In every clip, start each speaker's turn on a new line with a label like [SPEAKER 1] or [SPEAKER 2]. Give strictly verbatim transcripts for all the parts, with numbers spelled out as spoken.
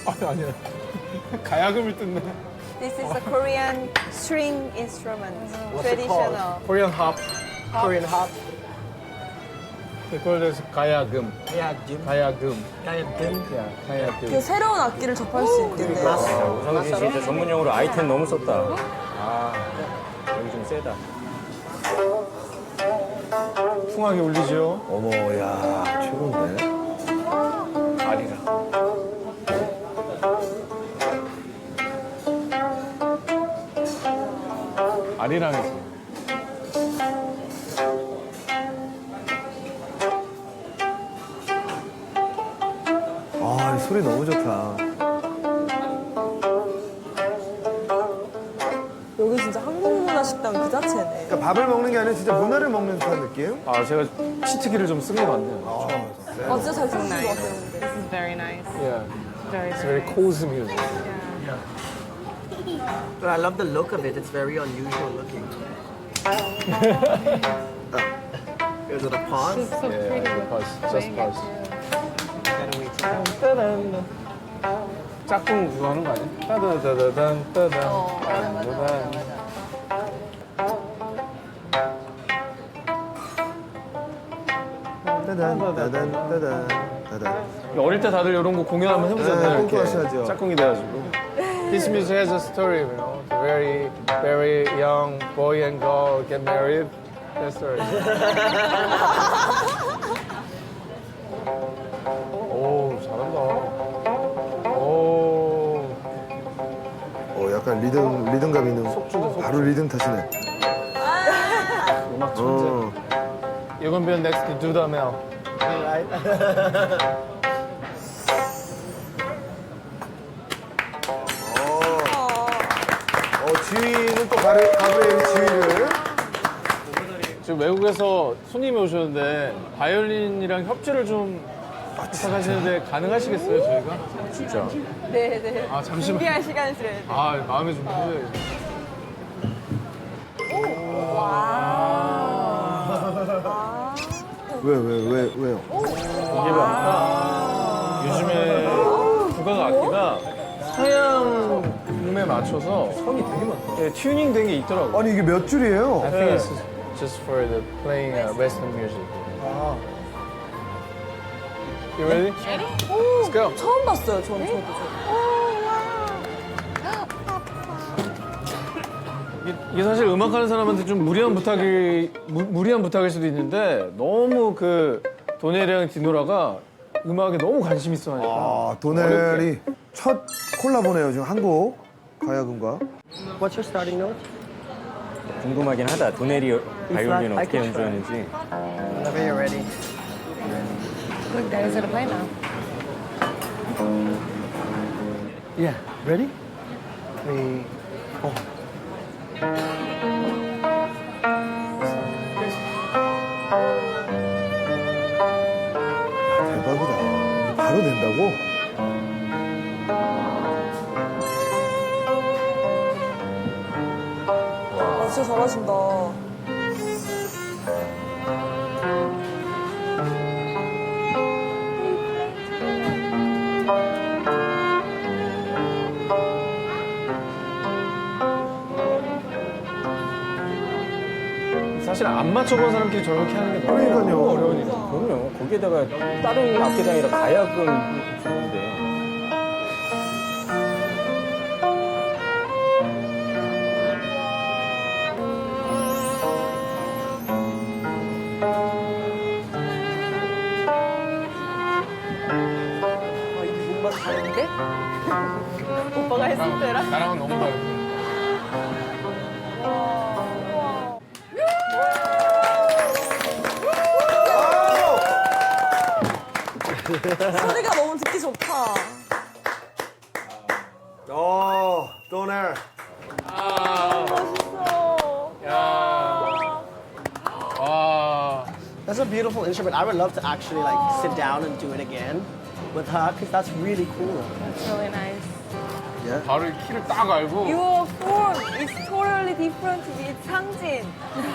[SPEAKER 1] 아니 아니야. 가야금을 뜯네.
[SPEAKER 2] This is a Korean string instrument,
[SPEAKER 3] What's it
[SPEAKER 2] traditional.
[SPEAKER 1] Korean hop.
[SPEAKER 3] Korean hop.
[SPEAKER 1] 그걸 해서 가야금.
[SPEAKER 3] 가야금.
[SPEAKER 1] 가야금.
[SPEAKER 3] 가야금.
[SPEAKER 1] 야, 가야금.
[SPEAKER 2] 그 새로운 악기를 접할 수 있겠네요.
[SPEAKER 4] 우성진 진짜 전문용어로 아이템 너무 썼다. 아, 여기 좀 세다.
[SPEAKER 1] 풍하게 울리죠.
[SPEAKER 5] 어머, 야, 최고인데.
[SPEAKER 1] 아리랑. 아리랑이지.
[SPEAKER 5] 아, 이 소리 너무 좋다.
[SPEAKER 2] 여기 진짜 한국 문화 식당 그 자체네.
[SPEAKER 5] 그러니까 밥을 먹는 게 아니라 진짜 문화를 먹는 듯한 느낌?
[SPEAKER 1] 아, 제가 치트키를 좀 쓴 것 같네요.
[SPEAKER 2] 아, 진짜 잘 쓰신 것 같아요, 근데.
[SPEAKER 6] This is very nice.
[SPEAKER 1] Yeah.
[SPEAKER 6] Very,
[SPEAKER 1] It's
[SPEAKER 6] very
[SPEAKER 1] very cozy music.
[SPEAKER 3] But I love the look of it. It's very unusual looking. Is it a pause?
[SPEAKER 6] It's so
[SPEAKER 1] Yeah,
[SPEAKER 6] pretty.
[SPEAKER 1] yeah,
[SPEAKER 6] with
[SPEAKER 1] pause, just
[SPEAKER 6] playing it
[SPEAKER 1] pause.
[SPEAKER 6] too.
[SPEAKER 3] Gotta wait till
[SPEAKER 1] 따단. 짝꿍 그거 하는 거 아니야? 따다다다단 따단.
[SPEAKER 2] 어, 맞아, 맞아, 맞아,
[SPEAKER 1] 따단.
[SPEAKER 5] 따단, 따단, 따단, 따단.
[SPEAKER 1] 어릴 때 다들 이런 거 공연 한번 해보잖아요.
[SPEAKER 5] 네,
[SPEAKER 1] 이렇게.
[SPEAKER 5] 꽁꽁하셔야죠.
[SPEAKER 1] 짝꿍이 돼가지고. This music has a story, you know. The very, very young boy and girl get married. That story. 오, 잘한다. 오.
[SPEAKER 5] 어, 약간 리듬, 리듬감 있는. 바로 리듬 타시네.
[SPEAKER 1] 음악 천재.
[SPEAKER 5] 어.
[SPEAKER 1] You're gonna be next to Dudamel.
[SPEAKER 5] 어, 지휘는 또 가브리, 가브리엘이 지휘를.
[SPEAKER 1] 지금 외국에서 손님이 오셨는데 바이올린이랑 협주를 좀 부탁하시는데 가능하시겠어요, 저희가?
[SPEAKER 4] 진짜.
[SPEAKER 2] 네, 네.
[SPEAKER 1] 아, 잠시만.
[SPEAKER 2] 준비할 시간을 드려야 돼.
[SPEAKER 1] 아, 마음에 좀 드세요.
[SPEAKER 5] 왜, 왜, 왜, 왜요?
[SPEAKER 1] 이게 보니까 요즘에 국악 악기가 서양음에 맞춰서 선이 되게 많다. 예, 튜닝 된 게 있더라고요.
[SPEAKER 5] 아니, 이게 몇 줄이에요?
[SPEAKER 1] I think it's just for the playing uh, Western music. You ready? Let's go.
[SPEAKER 2] 처음 봤어요, 저는 저도. 저도.
[SPEAKER 1] 이게, 이게 사실 음악하는 사람한테 좀 무리한 부탁이 무, 무리한 부탁일 수도 있는데 너무 그 도네리랑 디노라가 음악에 너무 관심 있어 하니까.
[SPEAKER 5] 아, 도넬이 첫 콜라보네요, 지금 한국 가야금과.
[SPEAKER 3] What's your starting note?
[SPEAKER 4] 궁금하긴 하다. 도네리 바이올린
[SPEAKER 3] I
[SPEAKER 4] 어떻게
[SPEAKER 3] can try.
[SPEAKER 4] 연주하는지.
[SPEAKER 3] Whenever you're ready.
[SPEAKER 6] Look, Daddy's gonna play now.
[SPEAKER 5] Yeah, ready? Three, four. 대박이다. 바로 된다고?
[SPEAKER 2] 아, 진짜 잘하신다.
[SPEAKER 1] 사실 안 맞춰본 사람끼리 저렇게 하는 게 너무
[SPEAKER 5] 그러니까요.
[SPEAKER 1] 어려운 일이죠.
[SPEAKER 4] 그럼요. 거기에다가 다른 악기가 아니라 가야금 좋은데.
[SPEAKER 2] 아, 이 뭔가 다른데? 오빠가 했을 때랑?
[SPEAKER 1] 나랑은 너무 다르고.
[SPEAKER 2] 소리가 너무 듣기 좋다.
[SPEAKER 5] 어, 도넬.
[SPEAKER 2] 멋있어.
[SPEAKER 1] 야. 와.
[SPEAKER 3] That's a beautiful instrument. I would love to actually like sit down and do it again with her because that's really cool.
[SPEAKER 6] It's really nice.
[SPEAKER 1] 바로 이 키를 딱 알고.
[SPEAKER 2] Your form is totally different with 상진.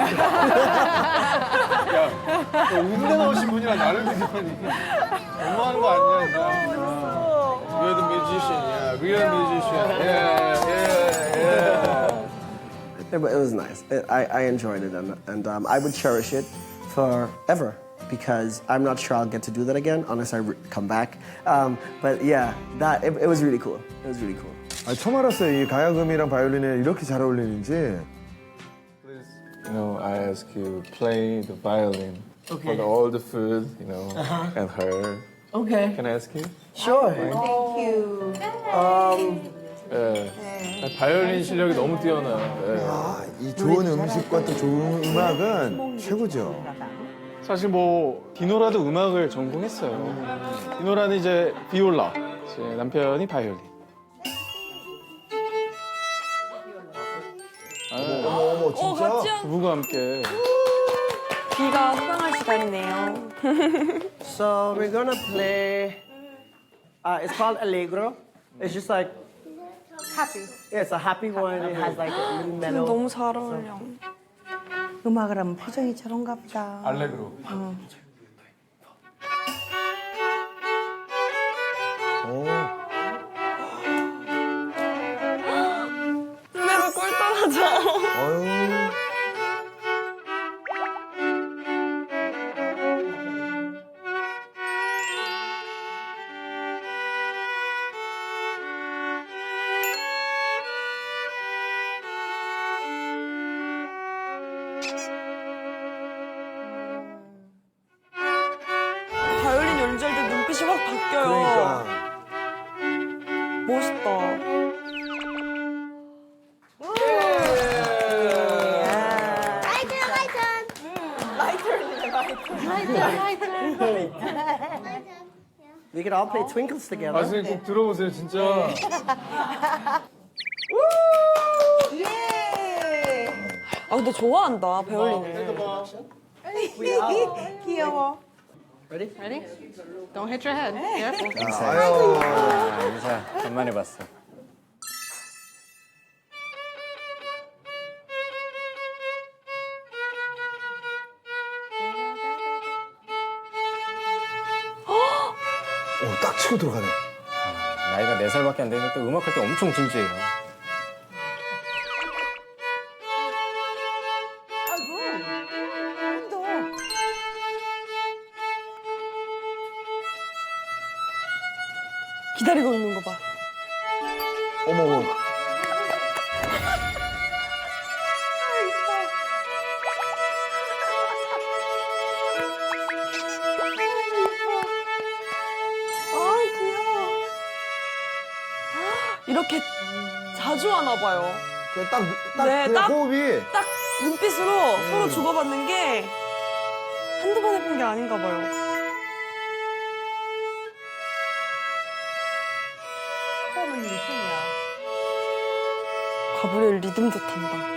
[SPEAKER 1] 야, 너 음대 나오신 분이랑 나를 비교하니 너무하는 거 아니야, 진짜.
[SPEAKER 2] 멋있어.
[SPEAKER 1] You're the musician. real musician. Yeah, yeah, yeah.
[SPEAKER 3] It, wa- it was nice. It, I, I enjoyed it, and, and um, I would cherish it forever because I'm not sure I'll get to do that again unless I re- come back. Um, but yeah, that it, it was really cool. It was really cool.
[SPEAKER 5] 아, 처음 알았어요. 이 가야금이랑 바이올린이 이렇게 잘 어울리는지.
[SPEAKER 1] You know, I ask you play the violin
[SPEAKER 3] Okay.
[SPEAKER 1] for the, all the food, you know, and her.
[SPEAKER 3] Okay.
[SPEAKER 1] Can I ask you?
[SPEAKER 3] Sure.
[SPEAKER 1] 예. 바이올린 실력이 너무 뛰어나요. 예.
[SPEAKER 5] 아, 이 좋은 음식과 또 좋은 음악은 최고죠.
[SPEAKER 1] 사실 뭐 디노라도 음악을 전공했어요. 디노라는 이제 비올라, 제 남편이 바이올린.
[SPEAKER 5] 어머, 어머, 진짜?
[SPEAKER 1] 부부가 함께.
[SPEAKER 2] 비가 소강할 시간이네요.
[SPEAKER 3] So we're gonna play. Uh, it's called Allegro. It's just like
[SPEAKER 6] Happy.
[SPEAKER 3] yeah, it's a happy one. It has like a little mellow.
[SPEAKER 2] 너무 잘 어울려.
[SPEAKER 7] 음악을 하면 표정이 저런가 보다.
[SPEAKER 1] 알레그로.
[SPEAKER 5] 오.
[SPEAKER 2] 눈에서 꿀 떨어져.
[SPEAKER 5] 어휴.
[SPEAKER 2] 바이올린 연주할 때 눈빛이 확 바뀌어요.
[SPEAKER 5] 그러니까.
[SPEAKER 2] 멋있다.
[SPEAKER 3] We could all play Twinkles together.
[SPEAKER 1] 나중에 꼭 들어보세요, 진짜.
[SPEAKER 2] 아 근데 좋아한다 바이올린을.
[SPEAKER 7] 귀여워.
[SPEAKER 3] Ready?
[SPEAKER 6] Ready? Don't hit your head. Careful.
[SPEAKER 5] 아유.
[SPEAKER 4] 아, 인사 간만에 봤어.
[SPEAKER 5] 오, 딱 치고 들어가네.
[SPEAKER 4] 나이가 네 살밖에 안 되니까 또 음악할 때 엄청 진지해요.
[SPEAKER 2] 기다리고 있는 거 봐.
[SPEAKER 5] 어머, 어머.
[SPEAKER 2] 아 귀여워. 이렇게 자주 하나 봐요.
[SPEAKER 5] 그 딱, 딱,
[SPEAKER 2] 네,
[SPEAKER 5] 그
[SPEAKER 2] 딱-
[SPEAKER 5] 호흡이.
[SPEAKER 2] 딱 눈빛으로 서로 주고받는 게 한두 번 해본 게 아닌가 봐요.
[SPEAKER 7] 처음은 일등이야.
[SPEAKER 2] 가브리엘 리듬도 탄다.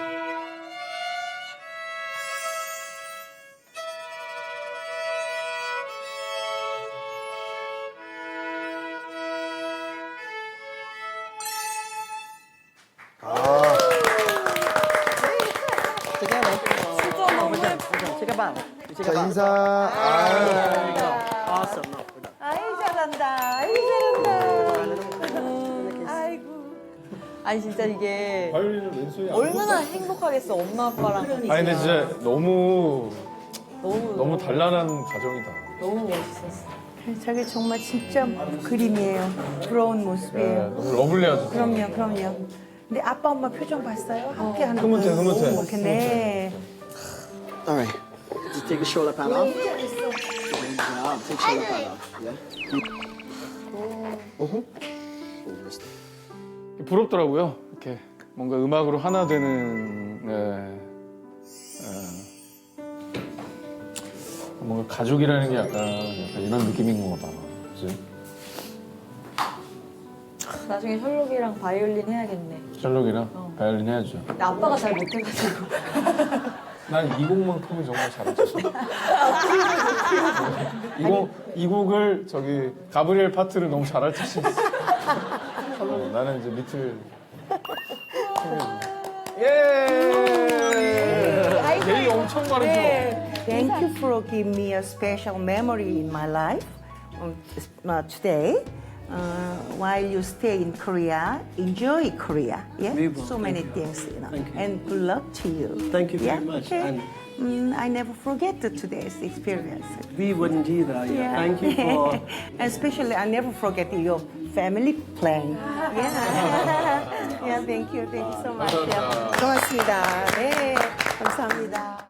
[SPEAKER 3] Together.
[SPEAKER 2] 진짜 너무 예뻐.
[SPEAKER 3] Take a bow. You take a
[SPEAKER 5] 자,
[SPEAKER 3] bow.
[SPEAKER 5] 인사. 아,
[SPEAKER 3] There you go. Awesome. No, we're done.
[SPEAKER 7] 아이 잘한다. 아이 잘한다. 아이고.
[SPEAKER 2] 아니 진짜 이게
[SPEAKER 1] 바이올린을 왼손이 안
[SPEAKER 2] 얼마나 행복하겠어 엄마 아빠랑.
[SPEAKER 1] 아니 근데 진짜 너무
[SPEAKER 2] 너무
[SPEAKER 1] 너무 단란한 가정이다.
[SPEAKER 2] 너무 멋있었어.
[SPEAKER 7] 저게 정말 진짜 그림이에요. 부러운
[SPEAKER 1] 예,
[SPEAKER 7] 모습이에요.
[SPEAKER 1] 너무 러블리하죠.
[SPEAKER 7] 그럼요, 그럼요. 근데 아빠 엄마 표정 봤어요? 함께 하는
[SPEAKER 1] 흐뭇해,
[SPEAKER 7] 거.
[SPEAKER 1] 흐뭇해.
[SPEAKER 7] 이렇게 네.
[SPEAKER 3] All right. Just take the shoulder pad off. Good job. Take shoulder pad off. Yeah.
[SPEAKER 1] 부럽더라고요. 이렇게 뭔가 음악으로 하나 되는 네. 네. 뭔가 가족이라는 게 약간, 약간 이런 느낌인 건가 봐. 그치?
[SPEAKER 2] 나중에 셜록이랑 바이올린 해야겠네.
[SPEAKER 1] 셜록이랑 바이올린 해야죠.
[SPEAKER 2] 근데 아빠가 잘 못해가지고.
[SPEAKER 1] 난 이 곡만큼은 정말 잘했어. 이 곡, 이 곡을 저기 가브리엘 파트를 너무 잘할 자신 있어. 어, 나는 이제 밑을. 예! 예의 엄청 바르죠?
[SPEAKER 7] Thank you for giving me a special memory in my life um, uh, today. uh, while you stay in Korea, enjoy Korea. Yeah,
[SPEAKER 3] We will.
[SPEAKER 7] so
[SPEAKER 3] Thank
[SPEAKER 7] many
[SPEAKER 3] you.
[SPEAKER 7] things, you know.
[SPEAKER 3] Thank you.
[SPEAKER 7] And good luck to you.
[SPEAKER 3] Thank you
[SPEAKER 7] yeah?
[SPEAKER 3] very much.
[SPEAKER 7] Okay.
[SPEAKER 3] And-
[SPEAKER 7] Mm, I never forget the today's experience.
[SPEAKER 3] We wouldn't either. Yeah.
[SPEAKER 7] Yeah.
[SPEAKER 3] Thank you for.
[SPEAKER 7] Especially, I never forget your family plan. Yeah. yeah, thank you. Thank you so much. Yeah. 고맙습니다. 네, 감사합니다.